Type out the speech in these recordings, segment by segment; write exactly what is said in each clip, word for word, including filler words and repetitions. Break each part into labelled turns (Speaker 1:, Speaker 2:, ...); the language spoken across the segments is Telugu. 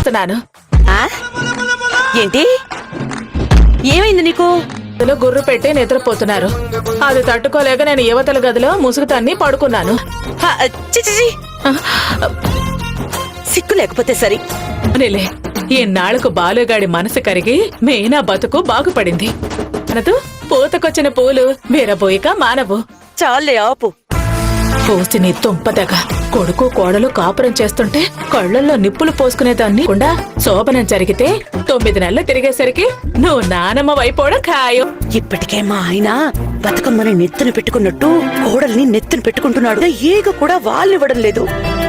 Speaker 1: ఏంటి ఏమైంది నీకు?
Speaker 2: గుర్రు పెట్టి నిద్రపోతున్నారు. అది తట్టుకోలేక నేను యువతల గదిలో ముసుగు తన్ని పడుకున్నాను.
Speaker 1: సిక్కు లేకపోతే సరి.
Speaker 2: అనిలే ఈనాళ్లకు బాలుగాడి మనసు కరిగి మీనా బతుకు బాగుపడింది. అనదు పూతకొచ్చిన పూలు వీరబోయిక మానవు.
Speaker 1: చాలే ఆపు.
Speaker 2: పూసిని తుంపదగ కొడుకు కోడలు కాపురం చేస్తుంటే కళ్ళల్లో నిప్పులు పోసుకునేదాన్ని కూడా శోభనం జరిగితే తొమ్మిది నెలలు తిరిగేసరికి నువ్వు నానమ్మ వైపోవడం ఖాయం.
Speaker 1: ఇప్పటికే మా ఆయన బతుకమ్మని నెత్తున పెట్టుకున్నట్టు కోడల్ని నెత్తున పెట్టుకుంటున్నాడు. ఈగ కూడా వాళ్ళివ్వడం లేదు.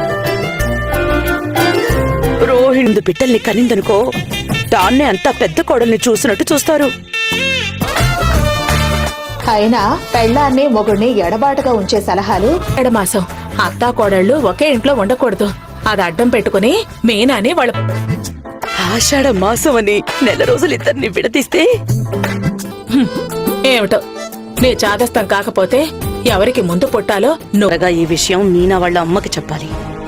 Speaker 1: రోహిణి బిడ్డల్ని కనిందనుకో దాన్నే అంతా పెద్ద కోడల్ని చూసినట్టు చూస్తారు.
Speaker 3: అయినా పెళ్ళాన్ని మొగుడిని ఎడబాటుగా ఉంచే సలహాలు.
Speaker 2: ఎడమాసం అత్తా కోడళ్ళు ఒకే ఇంట్లో ఉండకూడదు. అది అడ్డం పెట్టుకుని మీనాని వాళ్ళ
Speaker 1: ఆషాఢ మాసం అని నెల రోజులు ఇద్దరిని విడదీస్తే
Speaker 2: ఏమిటో నీ చాదస్తం కాకపోతే ఎవరికి ముందు పుట్టాలో
Speaker 1: నువ్వుగా ఈ విషయం మీనా వాళ్ళ అమ్మకి చెప్పాలి.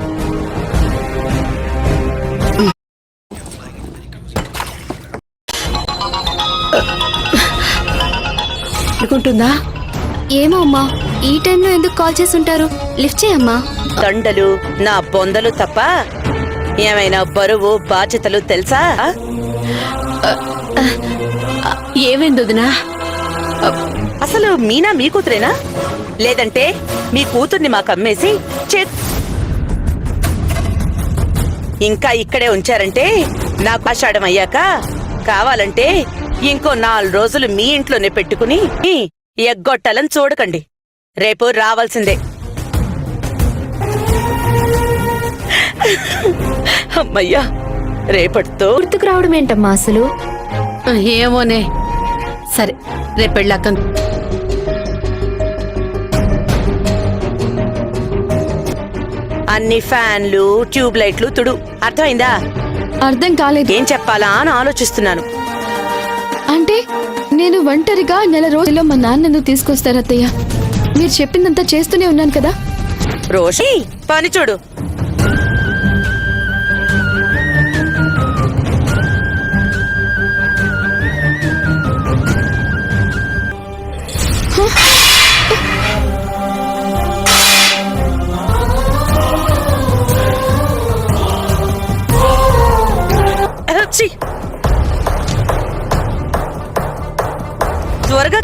Speaker 1: అనుకుంటుందా?
Speaker 4: ఏమో అమ్మా, ఈ టైంలో ఎందుకు కాల్ చేసుంటారు? లిఫ్ట్ చేయమ్మా.
Speaker 1: దండలు నా బొందలు తప్ప ఏమైనా బరువు బాధ్యతలు తెలుసా?
Speaker 4: ఏమైంది వదినా?
Speaker 1: అసలు మీనా మీ కూతురేనా, లేదంటే మీ కూతుర్ని మాకు అమ్మేసి చే ఇంకా ఇక్కడే ఉంచారంటే నాకు ఆషాఢం అయ్యాక కావాలంటే ఇంకో నాలుగు రోజులు మీ ఇంట్లోనే పెట్టుకుని ఎగ్గొట్టాలని చూడకండి. రేపు రావాల్సిందే. అమ్మయ్యా, రేపటితో
Speaker 4: గుర్తుకు రావడం ఏంటమ్మా అసలు?
Speaker 5: ఏమోనే. సరే రేపెళ్ళాక
Speaker 1: అన్ని ఫ్యాన్లు ట్యూబ్ లైట్లు తుడు. అర్థమైందా?
Speaker 4: అర్థం కాలేదు.
Speaker 1: ఏం చెప్పాలా అని ఆలోచిస్తున్నాను.
Speaker 4: అంటే నేను ఒంటరిగా నెల రోజుల్లో మా నాన్నను తీసుకొస్తారు అత్తయ్య. మీరు చెప్పిందంతా చేస్తూనే ఉన్నాను కదా.
Speaker 1: రోషి పని చూడు. త్వరగా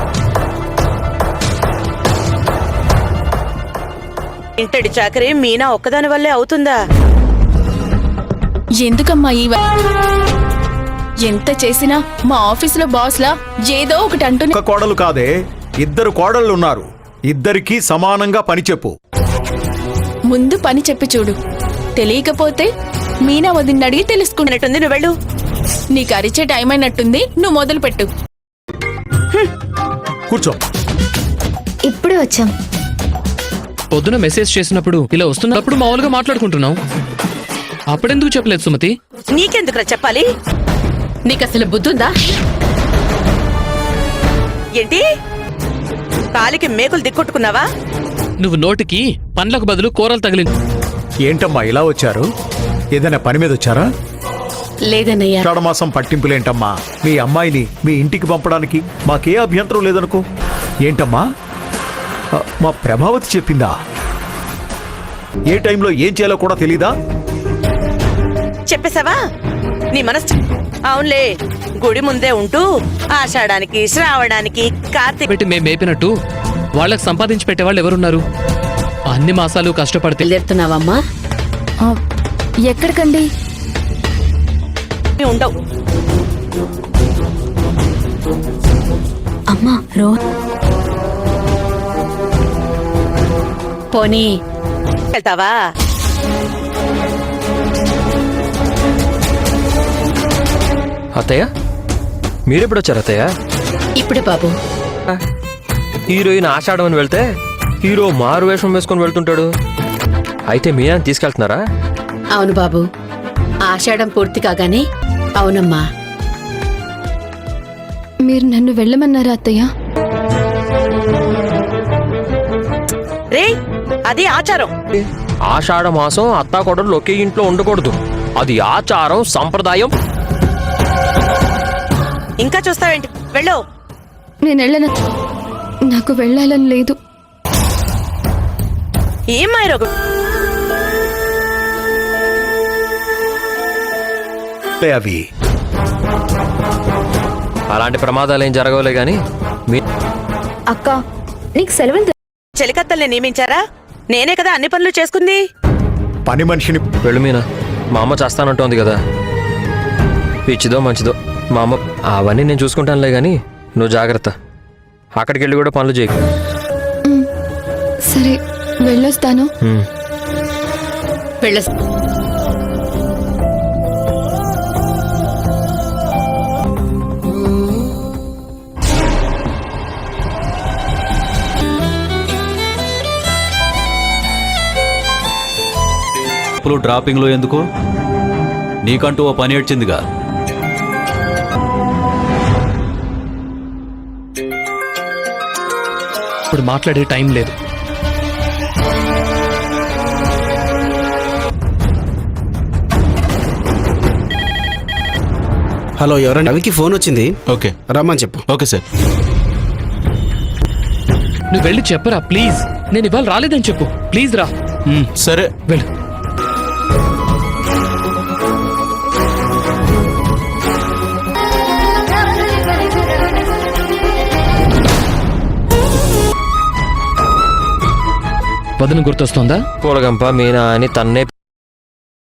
Speaker 1: ఇంటడి చాకరీ మీనా ఒక్కదాని వల్లే అవుతుందా?
Speaker 4: ఎందుకమ్మా ఈ ఎంత చేసినా మా ఆఫీసులో బాస్లా ఏదో ఒకటి అంటూ.
Speaker 6: ఒక కోడలు కాదే, ఇద్దరు కోడళ్ళు ఉన్నారు. ఇద్దరికీ సమానంగా పని చెప్పు.
Speaker 4: ముందు పని చెప్పి చూడు. తెలియకపోతే మీనా వదిన అడిగి తెలుసుకున్నట్టుంది.
Speaker 1: నువ్వు వెళ్ళు.
Speaker 4: నీకు అరిచే టైం అయినట్టుంది. నువ్వు మొదలు పెట్టు.
Speaker 6: కూర్చో.
Speaker 4: ఇప్పుడే వచ్చాం.
Speaker 7: పొద్దున మెసేజ్ చేసినప్పుడు ఇలా వస్తున్నప్పుడు మామూలుగా మాట్లాడుకుంటున్నాం. అప్పుడెందుకు చెప్పలేదు సుమతి?
Speaker 1: నీకెందుకురా చెప్పాలి?
Speaker 5: నీకు అసలు బుద్ధుందా?
Speaker 1: ఏంటి కాలికి మేకులు దిక్కొట్టుకున్నావా?
Speaker 7: నువ్వు నోటికి పండ్లకు బదులు కూరలు తగిలింది.
Speaker 6: ఏంటమ్మా ఇలా వచ్చారు? ఏదైనా పని మీద వచ్చారా?
Speaker 5: లేదన్నయ్యా.
Speaker 6: ఆషాఢమాసం పట్టింపులేంటమ్మా? మీ అమ్మాయిని మీ ఇంటికి పంపడానికి మాకే అభ్యంతరం లేదనుకో. ఏంటమ్మా మా ప్రభావతి చెప్పిందా? ఏ టైంలో ఏం చేయాలో కూడా తెలీదా?
Speaker 1: చెప్పేశావా నీ మనసు? అవునులే, గుడి ముందే ఉంటూ ఆషాఢానికి శ్రావణానికి కార్తీక
Speaker 7: పెట్టి మేము మేపినట్టు వాళ్ళకి సంపాదించి పెట్టేవాళ్ళు ఎవరున్నారు? అన్ని మాసాలు కష్టపడితే
Speaker 5: వెళ్తున్నావమ్మా?
Speaker 4: ఎక్కడికండి?
Speaker 1: ఉండవు.
Speaker 4: అమ్మా రో
Speaker 5: పోనీ
Speaker 1: వెళ్తావా?
Speaker 8: అత్తయ్య మీరెప్పుడు వచ్చారు అత్తయ్య?
Speaker 5: ఇప్పుడే బాబు.
Speaker 8: హీరోయిన్ ఆషాఢం అని వెళ్తే హీరో మారు వేషం వేసుకొని వెళ్తుంటాడు. అయితే మీనాని తీసుకెళ్తున్నారా?
Speaker 5: అవును బాబు, ఆషాఢం పూర్తి కాగానే. అవునమ్మా.
Speaker 4: మీరు నన్ను వెళ్ళమన్నారా అత్తయ్య?
Speaker 1: రే అది ఆచారం.
Speaker 8: ఆషాఢ మాసం అత్తాకోడలు ఒకే ఇంట్లో ఉండకూడదు. అది ఆచారం సంప్రదాయం.
Speaker 1: ఇంకా చూస్తావేంటి? వెళ్ళు.
Speaker 4: నేను వెళ్ళను. నాకు వెళ్ళాలని లేదు.
Speaker 1: ఏం మాయరోగు?
Speaker 6: అవి
Speaker 8: అలాంటి ప్రమాదాలు ఏం జరగవులే గాని మీ
Speaker 3: అక్క నీకు సెలవులు
Speaker 1: చెలికత్తల్ని నియమించారా? నేనే కదా అన్ని పనులు చేసుకుంది.
Speaker 6: పని మనిషిని
Speaker 8: వెళ్ళు మీనా. మా అమ్మ చేస్తానంటోంది కదా. పిచ్చిదో మంచిదో మా అమ్మ అవన్నీ నేను చూసుకుంటానులే గాని నువ్వు జాగ్రత్త. అక్కడికి వెళ్ళి కూడా పనులు చేయకు.
Speaker 4: సరే వెళ్ళొస్తాను.
Speaker 8: హ్మ్.
Speaker 5: వెళ్ళ
Speaker 9: డ్రాపింగ్ లో ఎందుకు? నీకంటూ ఓ పని ఏడ్చిందిగా.
Speaker 7: ఇప్పుడు మాట్లాడే టైం లేదు.
Speaker 10: హలో, ఎవరండి? రవికి ఫోన్ వచ్చింది.
Speaker 9: ఓకే
Speaker 10: రమ్మని చెప్పు.
Speaker 9: Okay sir.
Speaker 7: నువ్వు వెళ్ళి చెప్పరా ప్లీజ్. నేను ఇవాళ రాలేదని చెప్పు ప్లీజ్. రా.
Speaker 9: మ్, సరే.
Speaker 7: వెళ్ళు. వదిన గుర్తొస్తోందా?
Speaker 8: పూలగంప మీనా అని తన్నే